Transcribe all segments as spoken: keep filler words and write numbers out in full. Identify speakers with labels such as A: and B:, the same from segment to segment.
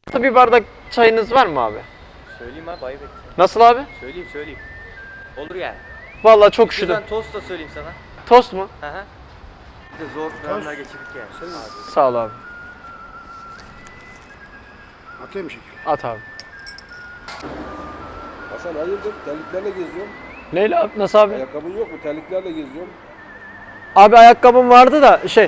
A: Bir bardak çayınız var mı abi?
B: Söyleyeyim abi, ayıp ettim.
A: Nasıl abi?
B: Söyleyeyim söyleyeyim. Olur yani.
A: Vallahi çok üşüdüm.
B: Ben tost da söyleyeyim sana.
A: Tost mu?
B: Hı hı. Bir de zor dönemler geçirdik yani. Abi.
A: Sağ ol abi.
C: Atayım mı şekil?
A: At abi.
C: Hasan hayırdır? Terliklerle geziyorum.
A: Neyle abi? Nasıl abi?
C: Ayakkabın yok mu? Terliklerle geziyorum.
A: Abi ayakkabım vardı da şey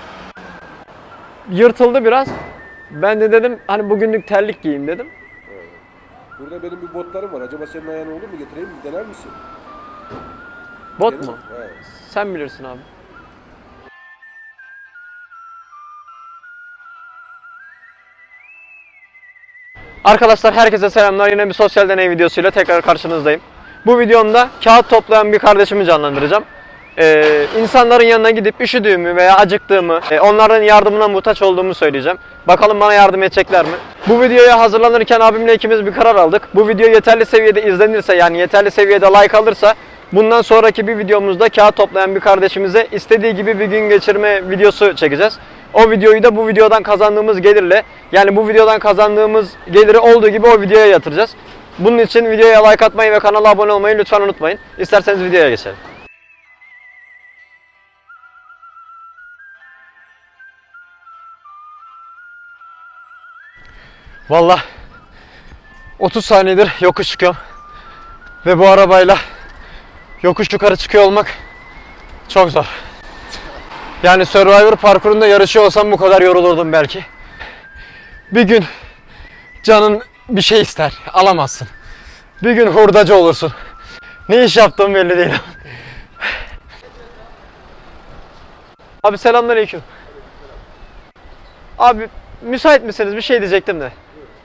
A: yırtıldı biraz. Ben de dedim hani bugünlük terlik giyeyim dedim.
C: Burada benim bir botlarım var. Acaba senin ayağına olur mu? Getireyim mi? Dener misin?
A: Bot
C: Gelir
A: mu?
C: mi? He.
A: Sen bilirsin abi. Arkadaşlar herkese selamlar. Yine bir sosyal deney videosuyla tekrar karşınızdayım. Bu videomda kağıt toplayan bir kardeşimi canlandıracağım. Ee, insanların yanına gidip üşüdüğümü veya acıktığımı, e, onların yardımına muhtaç olduğumu söyleyeceğim. Bakalım bana yardım edecekler mi? Bu videoya hazırlanırken abimle ikimiz bir karar aldık. Bu video yeterli seviyede izlenirse, yani yeterli seviyede like alırsa, bundan sonraki bir videomuzda kağıt toplayan bir kardeşimize istediği gibi bir gün geçirme videosu çekeceğiz. O videoyu da bu videodan kazandığımız gelirle, yani bu videodan kazandığımız geliri olduğu gibi o videoya yatıracağız. Bunun için videoya like atmayı ve kanala abone olmayı lütfen unutmayın. İsterseniz videoya geçelim. Vallahi otuz saniyedir yokuş çıkıyorum. Ve bu arabayla yokuş yukarı çıkıyor olmak çok zor. Yani Survivor parkurunda yarışıyor olsam bu kadar yorulurdum belki. Bir gün canın bir şey ister, alamazsın. Bir gün hurdacı olursun. Ne iş yaptığım belli değil. Abi selamünaleyküm. Abi müsait misiniz? Bir şey diyecektim de.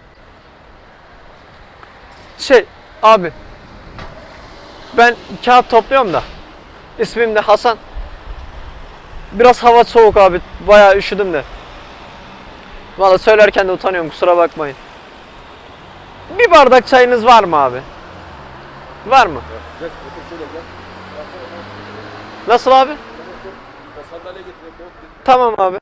A: Şey abi, ben kağıt topluyorum da, ismim de Hasan. Biraz hava soğuk abi, bayağı üşüdüm de. Vallahi söylerken de utanıyorum, kusura bakmayın. Bir bardak çayınız var mı abi? Var mı?
C: Gel, otur şöyle gel.
A: Nasıl abi?
C: O sandalye getireyim.
A: Tamam abi.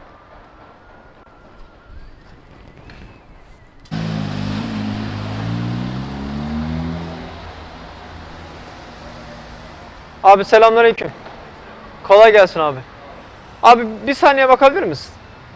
A: Abi selamünaleyküm. Kolay gelsin abi. Abi bir saniye bakabilir misin?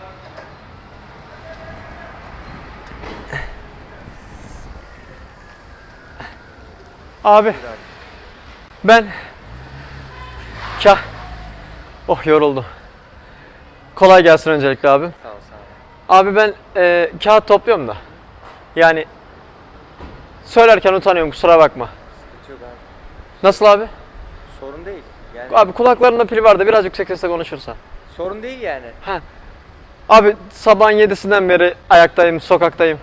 A: Abi ben Kah Oh yoruldum. Kolay gelsin öncelikle abi.
B: Sağ ol, sağ ol.
A: Abi ben e, kağıt topluyorum da. Yani söylerken utanıyorum, kusura bakma.
B: Sıkıntı yok abi.
A: Nasıl abi?
B: Sorun değil. Yani
A: Abi kulaklarında pil var da biraz yüksek sesle konuşursan.
B: sorun değil yani.
A: Ha. Abi sabahın yedisinden beri ayaktayım, sokaktayım.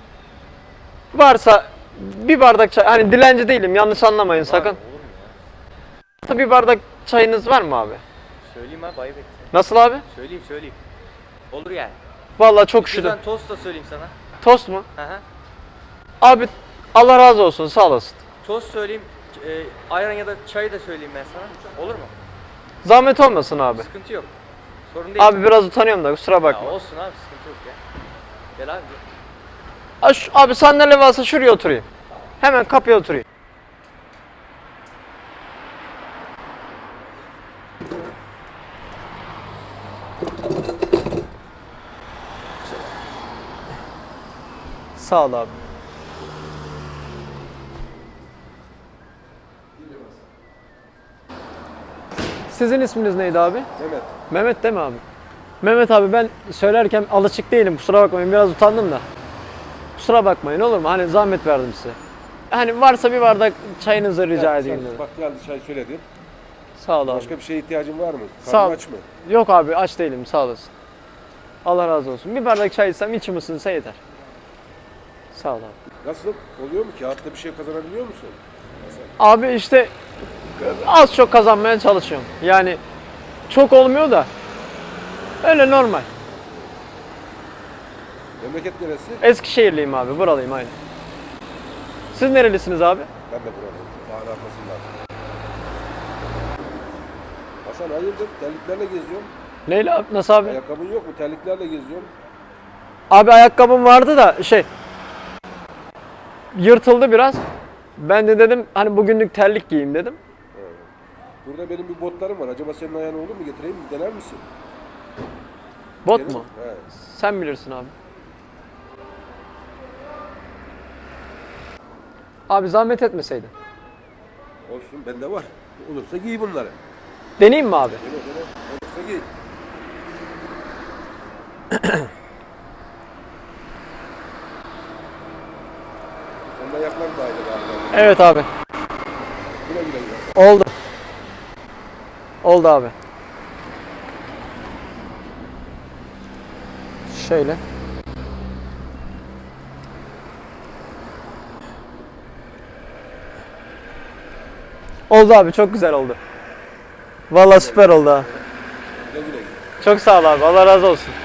A: Varsa bir bardak çay, hani dilenci değilim, yanlış anlamayın
B: Var,
A: sakın.
B: olur mu ya?
A: Bir bardak çayınız var mı abi?
B: Söyleyeyim abi, ayıp ettim.
A: Nasıl abi?
B: Söyleyeyim söyleyeyim. Olur yani.
A: Vallahi çok üşüdüm.
B: Ben tost da söyleyeyim sana.
A: Tost mu?
B: Hı hı.
A: Abi Allah razı olsun, sağ olasın.
B: Tost söyleyeyim. E, ayran ya da çayı da söyleyeyim ben sana. Olur mu?
A: Zahmet olmasın abi.
B: Sıkıntı yok. Sorun değil.
A: Abi biraz utanıyorum da, kusura
B: Ya
A: bakma.
B: olsun abi, sıkıntı yok ya. Gel abi. Gel.
A: Abi, şu- abi sandalye varsa şuraya oturayım. Hemen kapıya oturayım. Sağ ol abi. Sizin isminiz neydi abi?
C: Mehmet.
A: Mehmet değil mi abi? Mehmet abi, ben söylerken alışık değilim, kusura bakmayın, biraz utandım da. Kusura bakmayın, olur mu? Hani zahmet verdim size. Hani varsa bir bardak çayınızı rica
C: Gel,
A: edeyim
C: sen
A: dedim.
C: Bak geldi çay söyledin.
A: Sağ ol abi.
C: Başka bir şeye ihtiyacın var mı?
A: Sağ
C: Karnın
A: ol.
C: aç mı?
A: Yok abi, aç değilim, sağ olasın. Allah razı olsun. Bir bardak çay içsem içim ısınsa yeter. Sağ ol abi.
C: Nasıl? Oluyor mu? Kağıtta bir şey kazanabiliyor musun?
A: Abi işte az çok kazanmaya çalışıyorum. Yani çok olmuyor da öyle normal.
C: Memleket neresi?
A: Eskişehirliyim abi, buralıyım aynı. Siz nerelisiniz abi?
C: Ben de buradayım. Dağın arkasından. Hasan hayırdır? Terliklerle geziyorum.
A: Neyle abi? Nasıl abi?
C: Ayakkabın yok mu? Terliklerle geziyorum.
A: Abi ayakkabım vardı da şey yırtıldı biraz. Ben de dedim hani bugünlük terlik giyeyim dedim.
C: Burada benim bir botlarım var. Acaba senin ayağına olur mu? Getireyim mi? Dener misin?
A: Bot
C: Gelir
A: mu?
C: mi? He.
A: Sen bilirsin abi. Abi zahmet etmeseydin.
C: Olsun bende var. Olursa giy bunları.
A: Deneyeyim mi abi?
C: Dene dene. Olursa giy. Senin ayaklar da aynı galiba.
A: Evet abi.
C: Güle güle güle.
A: Oldu. Oldu abi. Şöyle. Oldu abi, çok güzel oldu. Vallahi süper oldu ha.
C: Güle güle güle.
A: Çok sağ ol abi. Allah razı olsun.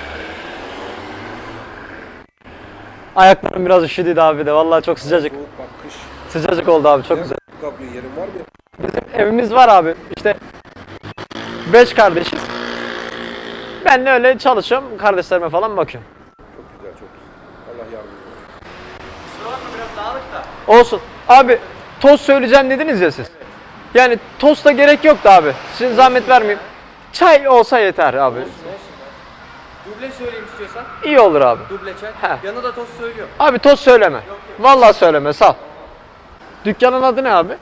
A: Ayaklarım biraz üşüdüydü abi de. Vallahi çok sıcacık.
C: Soğuk bak kış.
A: Sıcacık oldu abi. Çok güzel.
C: Kapıyor yerin var mı?
A: Bizim evimiz var abi. İşte beş kardeşiz. Ben de öyle çalışıyorum. Kardeşlerime falan bakıyorum.
C: Çok güzel çok güzel. Allah yardımcın olsun.
B: Kusura bakma biraz dağınık da.
A: Olsun. Abi tost söyleyeceğim dediniz ya siz. Yani tosta gerek yoktu abi. Sizin zahmet vermeyeyim. Çay olsa yeter abi.
B: Olsun olsun. Duble söyleyeyim istiyorsan.
A: İyi olur abi.
B: Duble çay.
A: He.
B: Yanına da tost söylüyor.
A: Abi tost söyleme. Vallahi söyleme, sağ ol. Dükkanın adı ne abi?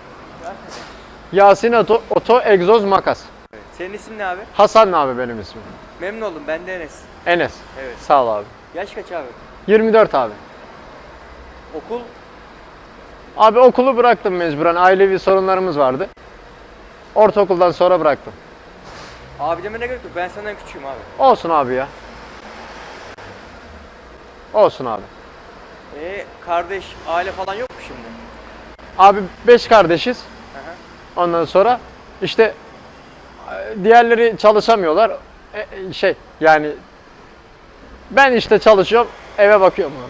A: Yasin Oto, Oto Egzoz Makas.
B: Senin isim ne abi?
A: Hasan abi benim ismim.
B: Memnun oldum. Ben de Enes.
A: Enes.
B: Evet.
A: Sağ ol abi.
B: Yaş kaç abi?
A: yirmi dört abi.
B: Okul?
A: Abi okulu bıraktım mecburen. Ailevi sorunlarımız vardı. Ortaokuldan sonra bıraktım.
B: Abi deme ne gerek yok. Ben senden küçüğüm abi.
A: Olsun abi ya. Olsun abi.
B: Ee, kardeş, aile falan yok mu şimdi?
A: Abi beş kardeşiz.
B: Hı hı.
A: Ondan sonra işte e, diğerleri çalışamıyorlar. E, e, şey yani ben işte çalışıyorum, eve bakıyorum abi.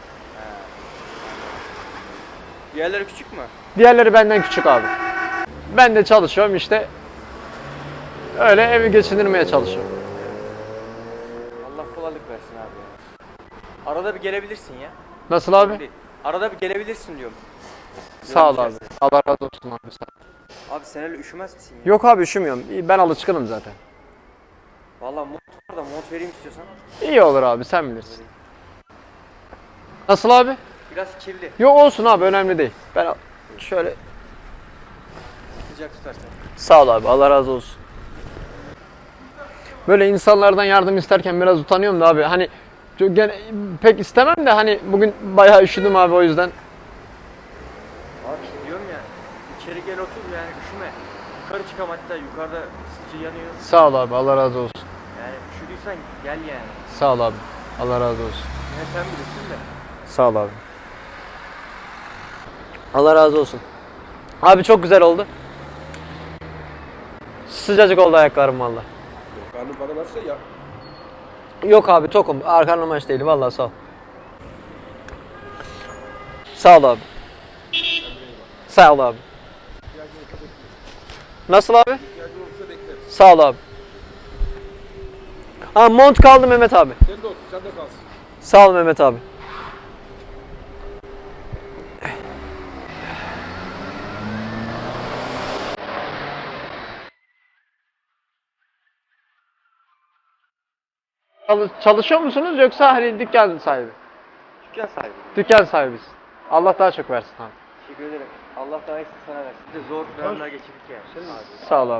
B: Diğerleri küçük mü?
A: Diğerleri benden küçük abi. Ben de çalışıyorum işte. Öyle evi geçindirmeye çalışıyorum.
B: Allah kolaylık versin abi ya. Arada bir gelebilirsin ya.
A: Nasıl abi?
B: Değil. Arada bir gelebilirsin diyorum.
A: Sağ ol abi. Allah razı olsun abi. Sağ ol.
B: Abi sen öyle üşümez misin ya?
A: Yok abi, üşümüyorum. Ben alışkınım zaten.
B: Vallahi mont var da mont vereyim istiyorsan.
A: İyi olur abi, sen bilirsin. Nasıl abi?
B: Biraz kirli.
A: Yok olsun abi, önemli değil. Ben şöyle
B: Sıcak tutarsan.
A: sağ ol abi, Allah razı olsun. Böyle insanlardan yardım isterken biraz utanıyorum da abi. Hani çok gene, pek istemem de hani bugün bayağı üşüdüm abi, o yüzden.
B: Abi işte diyorum ya. İçeri gel otur yani üşüme. Yukarı çıkam hatta yukarıda ısıtıcı yanıyor.
A: Sağ ol abi, Allah razı olsun.
B: Yani üşüdüysen gel yani.
A: Sağ ol abi, Allah razı olsun.
B: Yine sen bilirsin de.
A: Sağ ol abi. Allah razı olsun. Abi çok güzel oldu. Sıcacık oldu ayaklarım valla.
C: Karnın falan açsa ya.
A: Yok abi, tokum. Karnım aç değil, vallahi sağ ol. Sağ ol abi. Sağ ol abi. Nasıl abi?
C: İhtiyacın olursa bekleriz.
A: Sağ ol abi. Ha, mont kaldı Mehmet abi.
C: Sen de olsun sen de kalsın.
A: Sağ ol Mehmet abi. Çalış- Çalışıyor musunuz yoksa hani dükkan sahibi?
B: Dükkan sahibi.
A: Dükkan sahibisin. Allah daha çok versin abi.
B: Teşekkür ederim. Allah daha iyisini sana versin. Bir de zor dönemler geçirdik yani. Senin abi.
A: Sağ ol abi.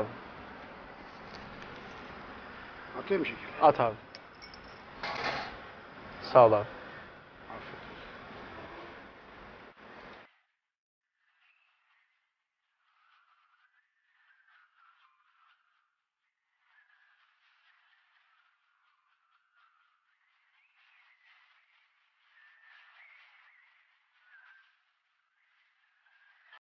C: Atayım şeker.
A: At abi. Sağ ol abi.